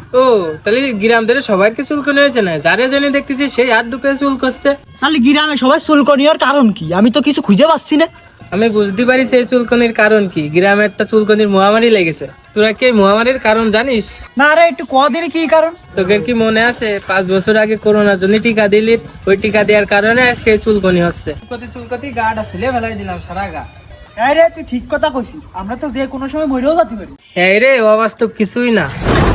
ও তাহলে গ্রাম ধরে সবার কি চুলকনি হয়েছে না? যারে জেনে দেখতেছি সেই হাত ঢুকে চুল করছে। তাহলে গ্রামে সবাই চুলকনি হওয়ার কারণ কি? আমি তো কিছু খুঁজে পাচ্ছি না। আমি বুঝতে পারি সেই চুলকনির কারণ কি। গ্রামে একটা চুলকনির মহামারী লেগেছে। তোরা কি এই মহামারীর কারণ জানিস? না রে, একটু কদিন কি কারণ? তোদের কি মনে আছে 5 বছর আগে করোনার জন্য টিকা দিলি? ওই টিকা দেওয়ার কারণে আজকে এই চুলকনি হচ্ছে। চুলকতি গাটা ছুলে ফেলাই দিলাম সারা গা। হ্যাঁ রে, তুই ঠিক কথা কইছিস। আমরা তো যে কোনো সময় মরেও যেতে পারি। এই রে, অবাস্তব কিছুই না।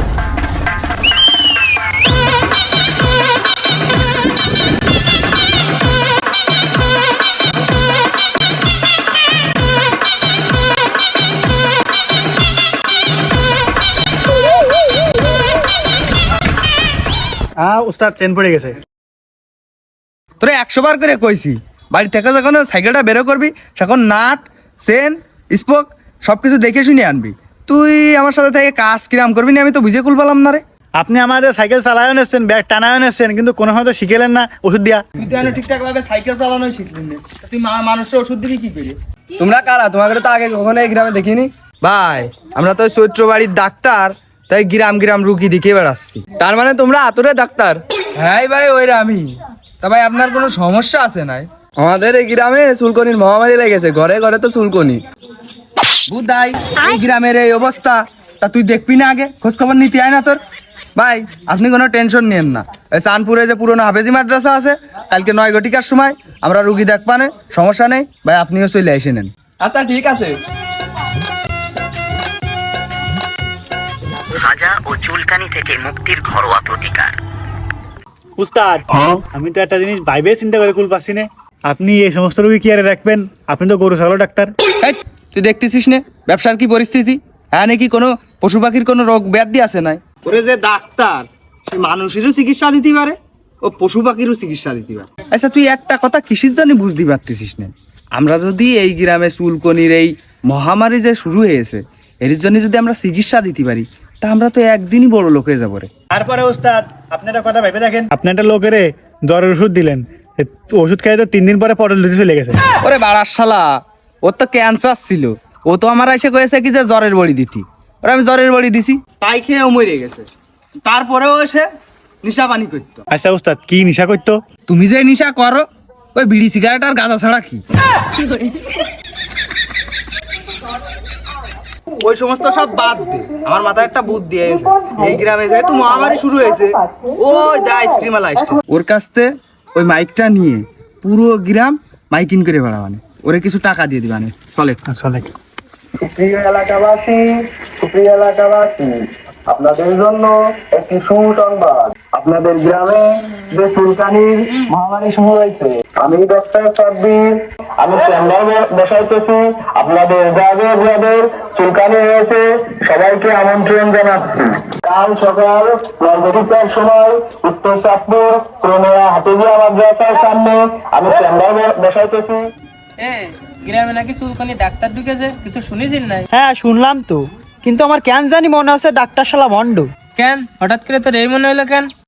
উস্তাদ চেন পড়ে গেছে। তোরে 100 বার করে কইছি বাড়ি থেকে যখন সাইকেলটা বেরো করবি তখন নাট চেন স্পোক সবকিছু দেখে শুনে আনবি। তুই আমার সাথে থেকে কাজ কিরাম করবি না আমি তো বুঝে কুল পেলাম না রে। আপনি আমাদের সাইকেল চালায়ও নিচ্ছেন, ব্যাগ টানায়ও নিচ্ছেন, কিন্তু কোনো হয়তো শিখেলেন না ওষুধ দিয়া। তুই তো ঠিকঠাক ভাবে সাইকেল চালানোই শিখলি না, তুই মানুষের ওষুধ দিবি কি করে? তোমরা কারা? তোমাকে তো আগে কখনো এই গ্রামে দেখিনি ভাই। আমরা তো চৈত্র বাড়ির ডাক্তার, তাই গ্রাম গ্রাম রুগী দেখে বেড়াচ্ছি। তার মানে তোমরা আতরে ডাক্তার? হ্যাঁ ভাই, ওইরা আমি। তা ভাই আপনার কোনো সমস্যা আছে নাই? আমাদের এই গ্রামে চুলকনির মহামারী লেগেছে, ঘরে ঘরে তো চুলকনি। বুধাই এই গ্রামের এই অবস্থা, তা তুই দেখবি না আগে? খোঁজ খবর নিতে আয় না তোর? ভাই আপনি কোনো টেনশন নিয়েন না। এই চাঁদপুরে যে পুরোনো হাফেজি মাদ্রাসা আছে, কালকে 9 ঘটিকার সময় আমরা রুগী দেখবানে, সমস্যা নেই ভাই, আপনিও চলে এসে নেন। আচ্ছা ঠিক আছে। হাজা ও চুলকানি থেকে মুক্তির ঘরোয়া প্রতিকার। উস্তাদ, আমি তো একটা জিনিস ভাইবে চিন্তা করে কুল পাচ্ছি না। আপনি এই সমস্ত রোগী কি আর রাখবেন? আপনি তো গরু ছাগল ডাক্তার। এই তুই দেখতেছিস না ব্যবসার কি পরিস্থিতি? হ্যাঁ নাকি কোনো পশু পাখির কোনো রোগ ব্যাধি আছে নাই? ওরে যে ডাক্তার, সে মানুষেরও চিকিৎসা দিতে পারে, ও পশু পাখিরও চিকিৎসা দিতে পারে। আচ্ছা তুই একটা কথা কিসের জন্য বুঝতে পারতেছিস না? আমরা যদি এই গ্রামে চুলকনির এই মহামারী যে শুরু হয়েছে, এর জন্য যদি আমরা চিকিৎসা দিতে পারি, তা আমরা তো একদিনই বড় লোক হয়ে যাবো রে। তারপরে উস্তাদ, আপনি একটা কথা ভেবে দেখেন, আপনি একটা লোকের জ্বরের ওষুধ দিলেন, ওষুধ খেয়ে তো 3 দিন পরে পটল দুটি চলে গেছে। ওরে বাড়ার শালা, ওর তো ক্যান্সার ছিল। ও তো আমার এসে কয়েছে কি যে জ্বরের বড়ি দিতি। ওরা আমি জ্বরের বড়ি দিছি, তাই খেয়ে ও মরে গেছে। তারপরেও এসে নিশা পানি করতো। আচ্ছা উস্তাদ, কি নেশা করতো? তুমি যে নিশা করো, ওই বিড়ি সিগারেট আর গাঁজা ছাড়া কি? ওই সমস্ত সব বাদ দে। আমার মাথায় একটা বুদ্ধি এসেছে। এই গ্রামে যেহেতু মহামারী শুরু হয়েছে, ওই দা আইসক্রিম আলা আসছে, ওর কাছ থেকে ওই মাইকটা নিয়ে পুরো গ্রাম মাইকিং করে বেড়াবানে, ওরে কিছু টাকা দিয়ে দিবানে। চলে চলে। সুপ্রিয় এলাকাবাসী, আপনাদের জন্য একটি সুসংবাদ। আপনাদের গ্রামে যে চুলকানির মহামারী শুরু হয়েছে, আমি ডক্টর সাব্বির, আমি চেম্বার বসাইতেছি। আপনাদের যাদের চুলকানি হয়েছে সবাইকে আমন্ত্রণ জানাচ্ছি। কাল সকাল 9 ঘটিকার সময় উত্তর চাঁদপুর পুরোনো হাফেজিয়া মাদ্রাসার সামনে আমি চেম্বার বসাইতেছি। গ্রামে নাকি চুলকনি ডাক্তার ঢুকেছে, কিছু শুনেছিস নাই? হ্যাঁ শুনলাম তো, কিন্তু আমার কেন জানি মনে হচ্ছে ডাক্তার শালা ভণ্ড। কেন হঠাৎ করে তোর এই মনে হলো কেন?